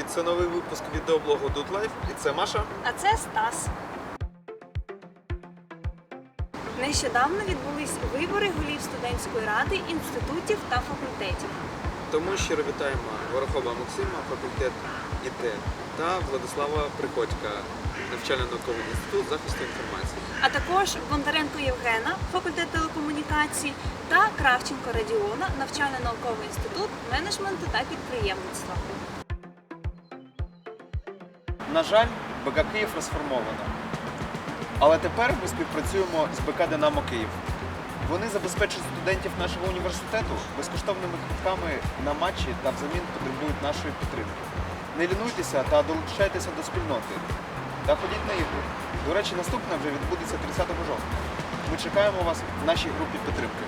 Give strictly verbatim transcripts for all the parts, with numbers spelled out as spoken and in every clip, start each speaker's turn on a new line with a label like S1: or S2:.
S1: Це новий випуск відеоблогу Dude Life, і це Маша.
S2: А це Стас. Нещодавно відбулись вибори голів студентської ради, інститутів та факультетів.
S1: Тому щиро вітаємо Ворохоба Максима, факультет ІТ, та Владислава Приходька, навчально-науковий інститут захисту інформації.
S2: А також Бондаренко Євгена, факультет телекомунікацій, та Кравченко Радіона, навчально-науковий інститут менеджменту та підприємництва.
S1: На жаль, БК Київ розформовано. Але тепер ми співпрацюємо з БК Динамо Київ. Вони забезпечують студентів нашого університету безкоштовними квитками на матчі та взамін потребують нашої підтримки. Не лінуйтеся та долучайтеся до спільноти. Та ходіть на ігри. До речі, наступне вже відбудеться тридцятого жовтня. Ми чекаємо вас в нашій групі підтримки.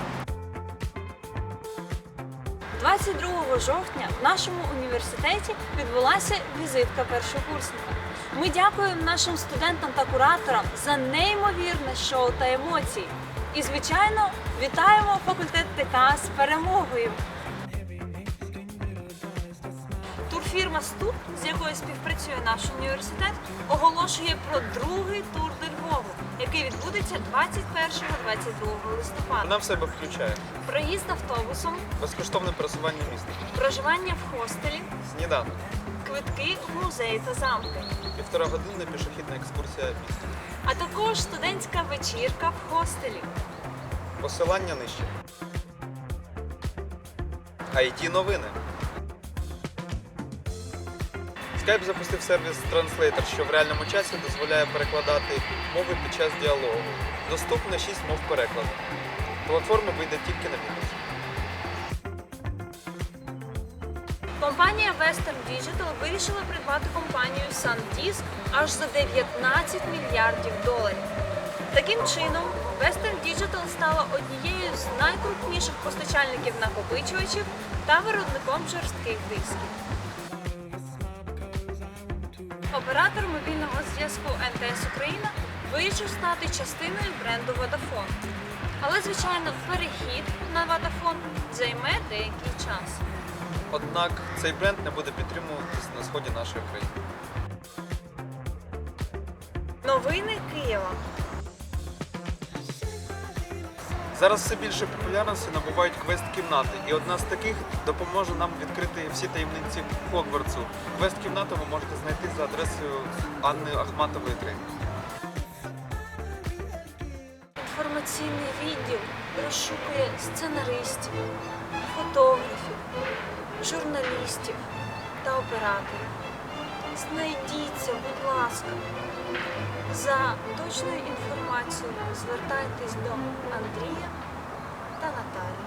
S2: двадцять другого жовтня в нашому університеті відбулася візитка першокурсника. Ми дякуємо нашим студентам та кураторам за неймовірне шоу та емоції. І, звичайно, вітаємо факультет ТК з перемогою! Турфірма «Ступ», з якою співпрацює наш університет, оголошує про другий тур до Львову, який відбудеться двадцять першого - двадцять другого листопада.
S1: Вона в себе включає
S2: Проїзд автобусом,
S1: безкоштовне пересування міста,
S2: проживання в хостелі,
S1: сніданок,
S2: квитки в музеї та замки,
S1: півторагодинна пішохідна екскурсія містом.
S2: а також студентська вечірка в хостелі.
S1: Посилання нижче. ай ті новини. Skype запустив сервіс Translator, що в реальному часі дозволяє перекладати мови під час діалогу. Доступно шість мов перекладу. Платформа вийде тільки на Windows.
S2: Компанія Western Digital вирішила придбати компанію SanDisk аж за дев'ятнадцять мільярдів доларів. Таким чином, Western Digital стала однією з найкрупніших постачальників накопичувачів та виробником жорстких дисків. Оператор мобільного зв'язку ен те ес Україна вирішив стати частиною бренду Vodafone. Але, звичайно, перехід на Vodafone займе деякий час.
S1: Однак цей бренд не буде підтримуватись на сході нашої країни.
S2: Новини Києва.
S1: Зараз все більше популярності набувають квест-кімнати, і одна з таких допоможе нам відкрити всі таємниці Хогвартсу. Квест-кімнату ви можете знайти за адресою Анни Ахматової три.
S2: Інформаційний відділ розшукує сценаристів, фотографів, журналістів та операторів. Знайдіться, будь ласка. За точною інформацією звертайтесь до Андрія та Наталії.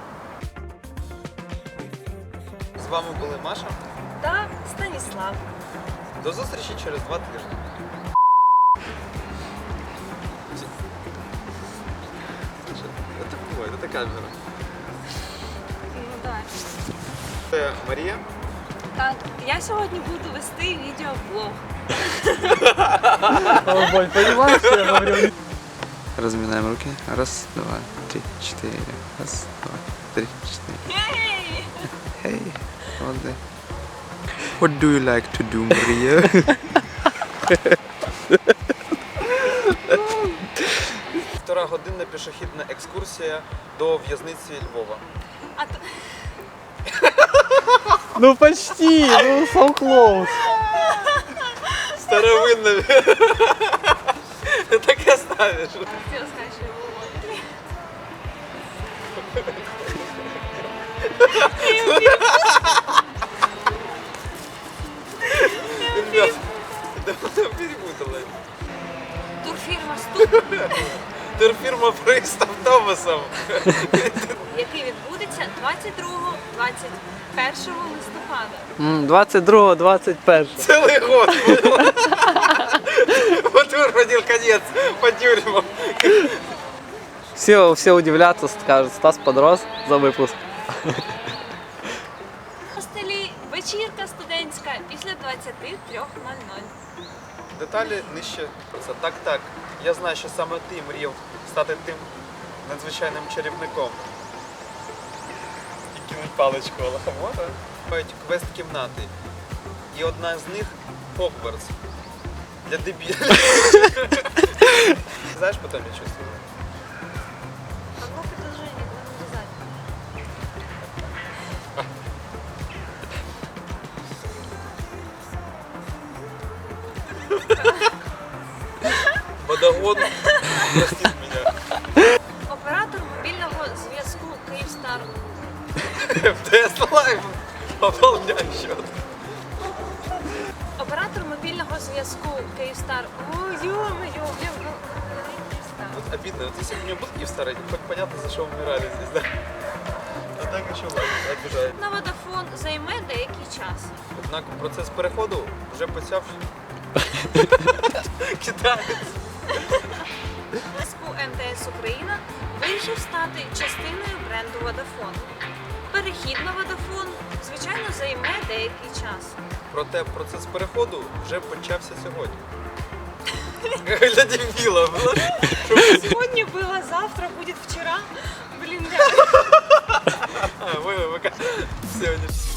S1: З вами були Маша.
S2: Та Станіслав.
S1: До зустрічі через два тижні. Це буває, це камера.
S2: Ну так.
S1: Це Марія.
S2: Так, я сьогодні буду вести відеоблог.
S3: Ой, понимаешь, что я говорю?
S4: Разминаем руки. Раз, два, три, четыре. Раз, два, три, четыре.
S2: Ей!
S4: Hey, what the? What do you like to do, Maria?
S1: Півтора годинна пішохідна екскурсія до в'язниці Львова.
S2: А то...
S3: Ну почти, ну so close.
S1: Старовинна. Таке ставиш.
S2: Хотіла сказати, що я була в Лондоні.
S1: Ребят, да вона перепутала.
S2: Турфірма «Ступ»,
S1: Турфірма «Проїзд автобусом».
S2: який відбудеться двадцять другого - двадцять першого листопада.
S3: двадцять другого - двадцять першого.
S1: Целый год. Вот вырванил конец по тюрьмам.
S3: Все, все удивляться, скажут, Стас подрос за выпуск.
S2: В хостелі вечірка студентська після двадцяти трьох нуль нуль.
S1: Деталі нижче про це. Так, так. Я знаю, що саме ти мріяв стати тим надзвичайним чарівником. І кинуть паличку Алахамота. Мають квест-кімнати. і одна з них Хогвартс. Для дебілів. Знаєш, потім я щось скажу.
S2: Одно предложение, надо сказать.
S1: Водогон, простіть мене.
S2: Оператор мобільного зв'язку Київстар.
S1: МТС Лайв. Пополняй счет.
S2: Оператор мобільного зв'язку Київстар. О, ё-моё, я в- Київстар.
S1: Вот обидно, вот если бы у меня был Киевстар, хоть понятно, за что умирали здесь, да? А так еще ладно, обижает.
S2: На Водафон займе деякий час.
S1: Однак процес переходу вже почав. Китаєць.
S2: Зв'язку МТС Україна вирішив стати частиною бренду Vodafone. Перехід на Vodafone, звичайно, займе деякий час.
S1: Проте процес переходу вже почався сьогодні. Для дебіла було.
S2: Сьогодні було, завтра буде вчора. Блін, реально.
S1: А, ви, ви, ви, сьогодні.